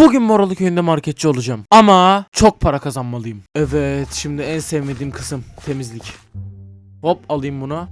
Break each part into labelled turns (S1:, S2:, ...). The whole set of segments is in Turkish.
S1: Bugün Moralı köyünde marketçi olacağım. Ama çok para kazanmalıyım. Evet, şimdi en sevmediğim kısım temizlik. Hop, alayım bunu.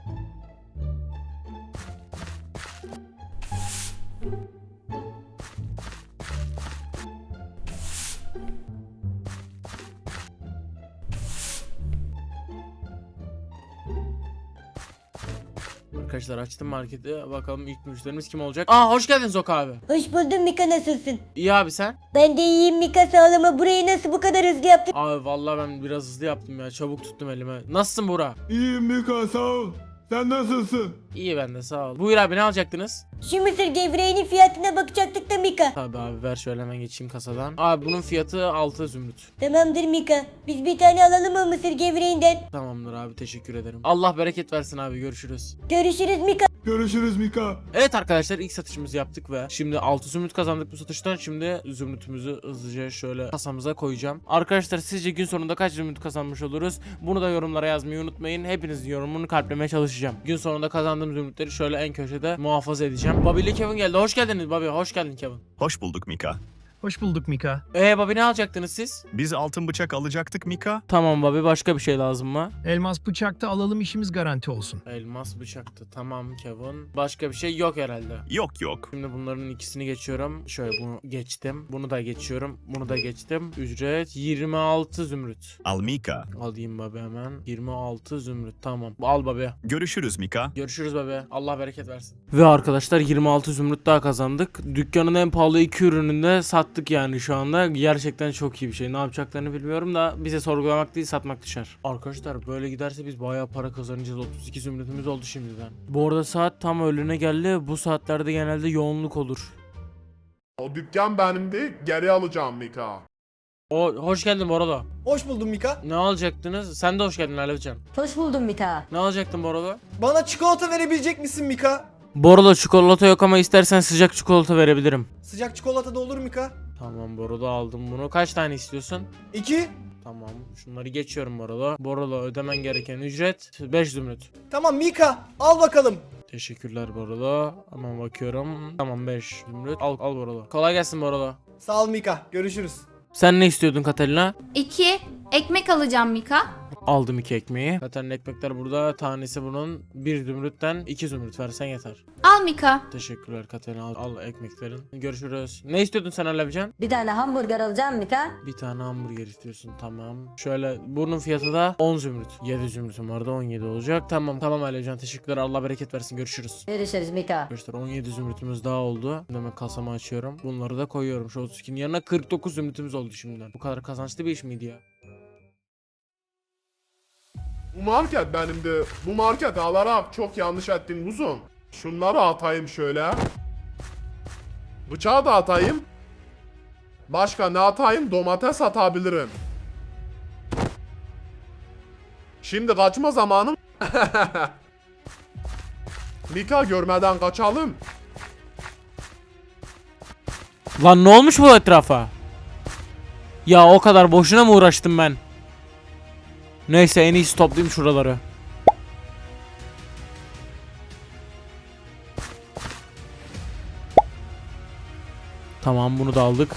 S1: Arkadaşlar açtım marketi. Bakalım ilk müşterimiz kim olacak? Aa, hoş geldin Zok abi.
S2: Hoş buldum Mika, nasılsın?
S1: İyi abi, sen?
S2: Ben de iyiyim Mika, sağ ol, ama burayı nasıl bu kadar hızlı yaptın?
S1: Abi vallahi ben biraz hızlı yaptım ya. Çabuk tuttum elime. Nasılsın Burak?
S3: İyiyim Mika, sağ ol. Sen nasılsın?
S1: İyi, ben de sağ ol. Buyur abi, ne alacaktınız?
S2: Şu mısır gevreğinin fiyatına bakacaktık da Mika.
S1: Tabi abi, ver şöyle hemen geçeyim kasadan. Abi bunun fiyatı 6 zümrüt.
S2: Tamamdır Mika. Biz bir tane alalım mı mısır gevreğinden?
S1: Tamamdır abi, teşekkür ederim. Allah bereket versin abi, görüşürüz.
S2: Görüşürüz Mika.
S3: Görüşürüz Mika.
S1: Evet arkadaşlar, ilk satışımızı yaptık ve şimdi 6 zümrüt kazandık bu satıştan. Şimdi zümrütümüzü hızlıca şöyle kasamıza koyacağım. Arkadaşlar, sizce gün sonunda kaç zümrüt kazanmış oluruz? Bunu da yorumlara yazmayı unutmayın. Hepinizin yorumunu kalplemeye çalışacağım. Gün sonunda kazandığım zümrütleri şöyle en köşede muhafaza edeceğim. Bobby ile Kevin geldi. Hoş geldiniz Bobby. Hoş geldin Kevin.
S4: Hoş bulduk Mika.
S5: Hoş bulduk Mika.
S1: Bobby, ne alacaktınız siz?
S4: Biz altın bıçak alacaktık Mika.
S1: Tamam Bobby, başka bir şey lazım mı?
S5: Elmas bıçakta alalım, işimiz garanti olsun.
S1: Elmas bıçaktı. Tamam Kevin. Başka bir şey yok herhalde.
S4: Yok.
S1: Şimdi bunların ikisini geçiyorum. Şöyle bunu geçtim. Bunu da geçiyorum. Bunu da geçtim. Ücret 26 zümrüt.
S4: Al Mika.
S1: Alayım baba hemen. 26 zümrüt. Tamam. Al baba.
S4: Görüşürüz Mika.
S1: Görüşürüz baba. Allah bereket versin. Ve arkadaşlar 26 zümrüt daha kazandık. Dükkanın en pahalı 2 ürününü de sattık yani şu anda. Gerçekten çok iyi bir şey. Ne yapacaklarını bilmiyorum da bize sorgulamak değil, satmak düşer. Arkadaşlar böyle giderse biz bayağı para kazanacağız. 32 zümrütümüz oldu şimdiden. Bu arada saat tam öğlene geldi. Bu saatlerde genelde yoğunluk olur.
S6: O dükkan benim değil, geri alacağım Mika.
S1: Hoş geldin Borolo.
S7: Hoş buldum Mika.
S1: Ne alacaktınız? Sen de hoş geldin Alevcan.
S2: Hoş buldum Mika.
S1: Ne alacaktın Borolo?
S7: Bana çikolata verebilecek misin Mika?
S1: Borolo, çikolata yok ama istersen sıcak çikolata verebilirim.
S7: Sıcak çikolata da olur Mika.
S1: Tamam Borolo, aldım bunu. Kaç tane istiyorsun?
S7: 2.
S1: Tamam, şunları geçiyorum Borolo. Borolo, ödemen gereken ücret 5 zümrüt.
S7: Tamam Mika, al bakalım.
S1: Teşekkürler Borolo. Hemen bakıyorum. Tamam, 5 zümrüt. Al Borolo. Kolay gelsin Borolo.
S7: Sağ ol Mika, görüşürüz.
S1: Sen ne istiyordun Katerina?
S8: 2 ekmek alacağım Mika.
S1: Aldım 2 ekmeği. Zaten ekmekler burada. Tanesi bunun 1 zümrütten 2 zümrüt versen yeter.
S8: Al Mika.
S1: Teşekkürler Katerina. Al ekmeklerin. Görüşürüz. Ne istiyordun sen Alevcan?
S2: Bir tane hamburger alacağım Mika.
S1: Bir tane hamburger istiyorsun, tamam. Şöyle bunun fiyatı da 10 zümrüt. 7 zümrütüm vardı, 17 olacak. Tamam Alevcan, teşekkürler. Allah bereket versin. Görüşürüz.
S2: Görüşürüz Mika.
S1: Arkadaşlar 17 zümrütümüz daha oldu. Hemen kasamı açıyorum. Bunları da koyuyorum. Şu 32'nin yanına 49 zümrütümüz oldu şimdiden. Bu kadar kazançlı bir iş miydi ya?
S6: Bu market benimdi. Bu market alarak çok yanlış ettin uzun. Şunları atayım şöyle. Bıçağı da atayım. Başka ne atayım? Domates atabilirim. Şimdi kaçma zamanım. Mika görmeden kaçalım.
S1: Lan ne olmuş bu etrafa? Ya o kadar boşuna mı uğraştım ben? Neyse, en iyisi toplayayım şuraları. Tamam, bunu da aldık.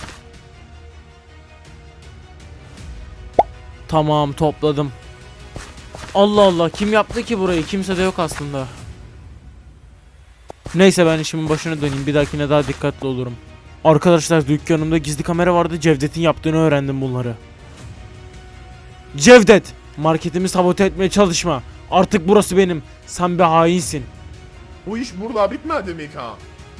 S1: Tamam, topladım. Allah Allah, kim yaptı ki burayı? Kimse de yok aslında. Neyse, ben işimin başına döneyim. Bir dahakine daha dikkatli olurum. Arkadaşlar, dükkanımda gizli kamera vardı. Cevdet'in yaptığını öğrendim bunları. Cevdet! Marketimi sabote etmeye çalışma. Artık burası benim. Sen bir hainsin.
S6: Bu iş burada bitmedi Mika.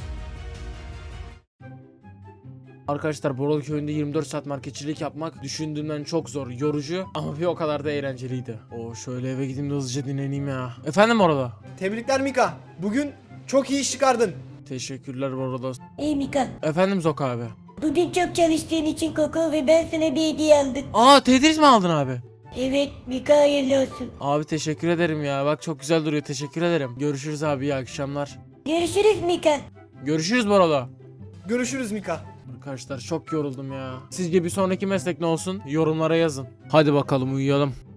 S1: Arkadaşlar, Borol köyünde 24 saat marketçilik yapmak düşündüğümden çok zor, yorucu ama bir o kadar da eğlenceliydi. Şöyle eve gideyim de hızlıca dinleneyim ya. Efendim orada?
S7: Tebrikler Mika. Bugün çok iyi iş çıkardın.
S1: Teşekkürler Borolo.
S2: Ey Mika.
S1: Efendim Zok abi.
S2: Bugün çok çalıştığın için Koko ve ben sana bir hediye aldım.
S1: Tetris mi aldın abi?
S2: Evet Mika, hayırlı olsun.
S1: Abi teşekkür ederim ya. Bak çok güzel duruyor. Teşekkür ederim. Görüşürüz abi. İyi akşamlar.
S2: Görüşürüz Mika.
S1: Görüşürüz Borolo.
S7: Görüşürüz Mika.
S1: Arkadaşlar çok yoruldum ya. Sizce bir sonraki meslek ne olsun? Yorumlara yazın. Hadi bakalım, uyuyalım.